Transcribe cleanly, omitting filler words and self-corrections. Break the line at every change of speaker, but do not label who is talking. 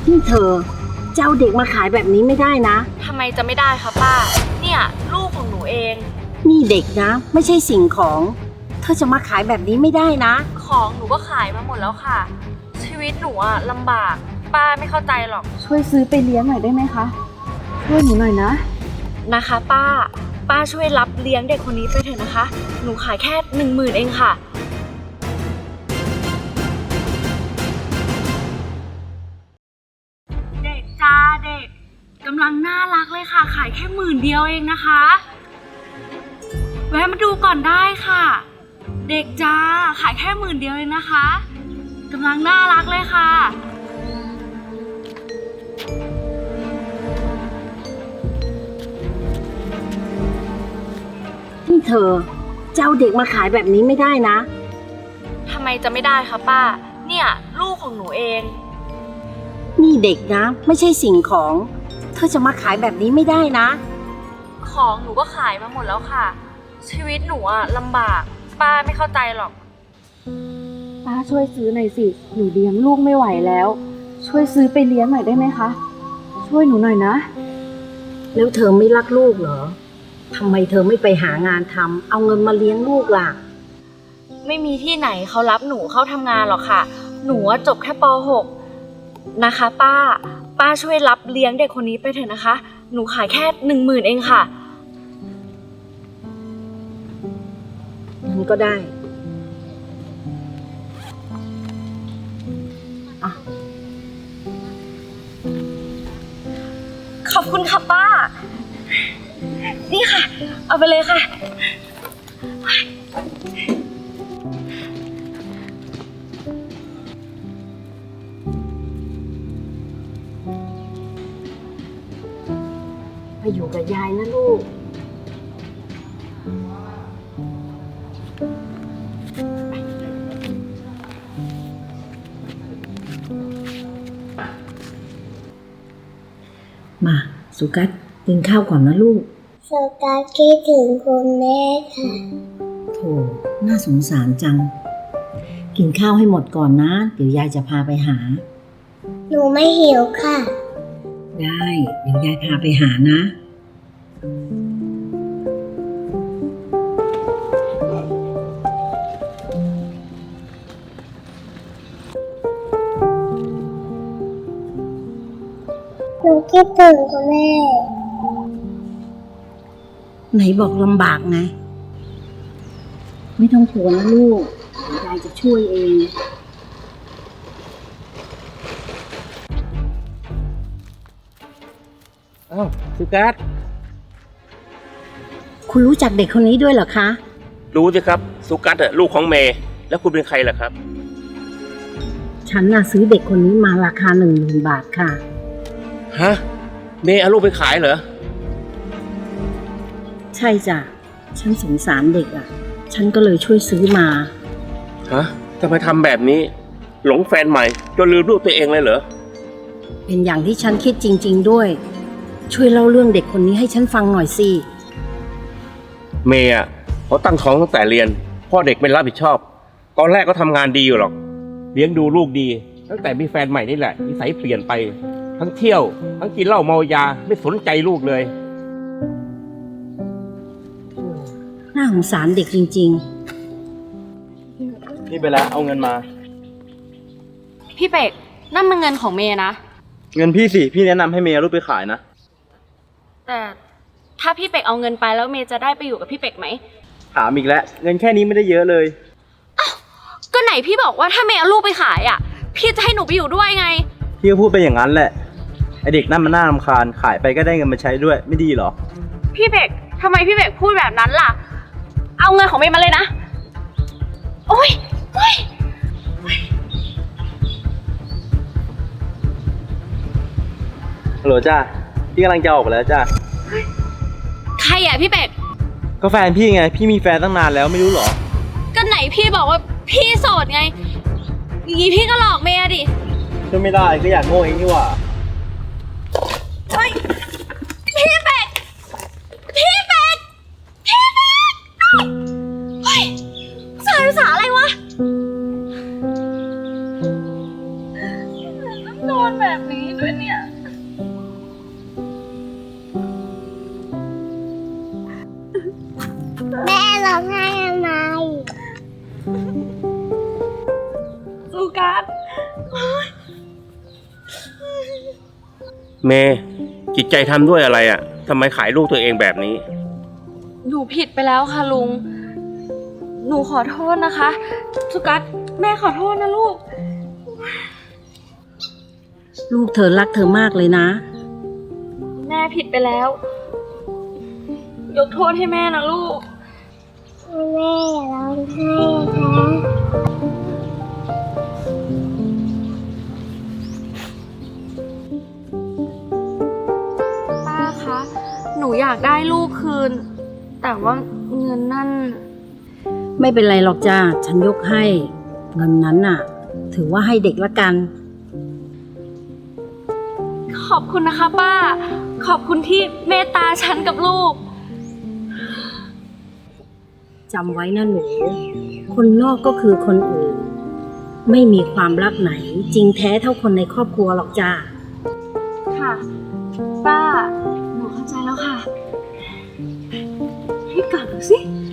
นี่เธอจะเอาเด็กมาขายแบบนี้ไม่ได้นะ
ทำไมจะไม่ได้คะป้าเนี่ยลูกของหนูเอง
นี่เด็กนะไม่ใช่สิ่งของเธอจะมาขายแบบนี้ไม่ได้นะ
ของหนูก็ขายมาหมดแล้วค่ะชีวิตหนูอะลำบากป้าไม่เข้าใจหรอก
ช่วยซื้อไปเลี้ยงหน่อยได้ไหมคะช่วยหนูหน่อยนะ
นะคะป้าช่วยรับเลี้ยงเด็กคนนี้ไปเถอะนะคะหนูขายแค่10,000เองค่ะเด็กจ้าเด็กกำลังน่ารักเลยค่ะขายแค่10,000เดียวเองนะคะแวะมาดูก่อนได้ค่ะเด็กจ้าขายแค่10,000เดียวเองนะคะกำลังน่ารักเลยค่ะ
นี่เธอจะเอาเด็กมาขายแบบนี้ไม่ได้นะ
ทำไมจะไม่ได้คะป้าเนี่ยลูกของหนูเอง
นี่เด็กนะไม่ใช่สิ่งของเธอจะมาขายแบบนี้ไม่ได้นะ
ของหนูก็ขายมาหมดแล้วค่ะชีวิตหนูอะลำบากป้าไม่เข้าใจหรอก
ป้าช่วยซื้อหน่อยสิหนูเลี้ยงลูกไม่ไหวแล้วช่วยซื้อไปเลี้ยงหน่อยได้ไหมคะช่วยหนูหน่อยนะ
แล้วเธอไม่รักลูกเหรอทำไมเธอไม่ไปหางานทำเอาเงินมาเลี้ยงลูกล่ะ
ไม่มีที่ไหนเขารับหนูเข้าทำงานหรอกค่ะหนูจบแค่ป .6 นะคะป้าช่วยรับเลี้ยงเด็กคนนี้ไปเถอะนะคะหนูขายแค่10,000เองค่ะ
มันก็ได้
ขอบคุณค่ะป้านี่ค่ะเอาไปเลยค่ะ
ไปอยู่กับยายนะลูกมาสุกัสกินข้าวก่อนนะลูก
สุกัสคิดถึงคุณแม่ค่ะ
โถน่าสงสารจังกินข้าวให้หมดก่อนนะเดี๋ยวยายจะพาไปหา
หนูไม่หิวค่ะ
ได้เดี๋ยวยายพาไปหานะ
หนูคิดถึงคุณแม่
ไหนบอกลำบากไงไม่ต้องกลัวนะลูกเดี๋ยวยายจะช่วยเอง
อ้าวสุกัส
คุณรู้จักเด็กคนนี้ด้วยเหรอคะ
รู้สิครับสุกัสลูกของเมย์แล้วคุณเป็นใครล่ะครับ
ฉันน่ะซื้อเด็กคนนี้มาราคา10,000 บาทค่ะ
ฮะเมย์เอาลูกไปขายเหรอ
ใช่จ้ะฉันสงสารเด็กอ่ะฉันก็เลยช่วยซื้อมา
ฮะทำไมทำแบบนี้หลงแฟนใหม่จนลืมลูกตัวเองเลยเหรอ
เป็นอย่างที่ฉันคิดจริงๆด้วยช่วยเล่าเรื่องเด็กคนนี้ให้ฉันฟังหน่อยสิ
เมย์เขาตั้งท้องตั้งแต่เรียนพ่อเด็กไม่รับผิดชอบตอนแรกก็ทำงานดีอยู่หรอกเลี้ยงดูลูกดีตั้งแต่มีแฟนใหม่นี่แหละนิสัยเปลี่ยนไปทั้งเที่ยวทั้งกินเหล้าเมายาไม่สนใจลูกเลย
น่าสงสารเด็กจริง
นี่ไปแล้วเอาเงินมา
พี่เป็กนั่นมันเงินของเมย์นะ
เงินพี่สิพี่แนะนำให้เมย์เอารูปไปขายนะ
แต่ถ้าพี่เป็กเอาเงินไปแล้วเมย์จะได้ไปอยู่กับพี่เป็กไหม
ถามอีกแล้วเงินแค่นี้ไม่ได้เยอะเลย
อ้าวก็ไหนพี่บอกว่าถ้าเมย์เอาลูกไปขายอ่ะพี่จะให้หนูไปอยู่ด้วยไง
พี่ก็พูดไปอย่างนั้นแหละไอเด็กนั่นมันน่ารำคาญขายไปก็ได้เงินมาใช้ด้วยไม่ดีหรอ
พี่เป็กทำไมพี่เป็กพูดแบบนั้นล่ะเอาเงินของเมย์มาเลยนะโอ๊ย
ฮัลโหลจ้าพี่กำลังจะออกไปแล้วจ้า
ใครอ่ะพี่เป็ก
ก็แฟนพี่ไงพี่มีแฟนตั้งนานแล้วไม่รู้หรอ
ก็ไหนพี่บอกว่าพี่โสดไงอย่างนี้พี่ก็หลอกเมย์ดิ
ช่วยไม่ได้ก็อยากโง่เองนี่หว่า
เฮ้ยพี่เป็กเฮ้ยสายภาษาอะไรวะต้องโดนแบบนี้ด้วยเนี่ย
แม่ร้องไห้ทำไม
สุกัส
เมย์จิตใจทำด้วยอะไรอ่ะทำไมขายลูกตัวเองแบบนี้
หนูผิดไปแล้วค่ะลุง หนูขอโทษนะคะ สุกัสแม่ขอโทษนะลูก
ลูกเธอรักเธอมากเลยนะ
แม่ผิดไปแล้ว ยกโทษให้แม่นะลูก
แม่อย่าร้องไห้นะคะ
ป้าคะ หนูอยากได้ลูกคืน แต่ว่าเงินนั่น
ไม่เป็นไรหรอกจ้าฉันยกให้ เงินนั้นน่ะ ถือว่าให้เด็กละกัน
ขอบคุณนะคะป้า ขอบคุณที่เมตตาฉันกับลูก
จำไว้นะหนู คนนอกก็คือคนอื่น ไม่มีความรักไหน จริงแท้เท่าคนในครอบครัวหรอกจ้า
ค่ะ ป้า หนูเข้าใจแล้วค่ะ ให้กลับดูสิ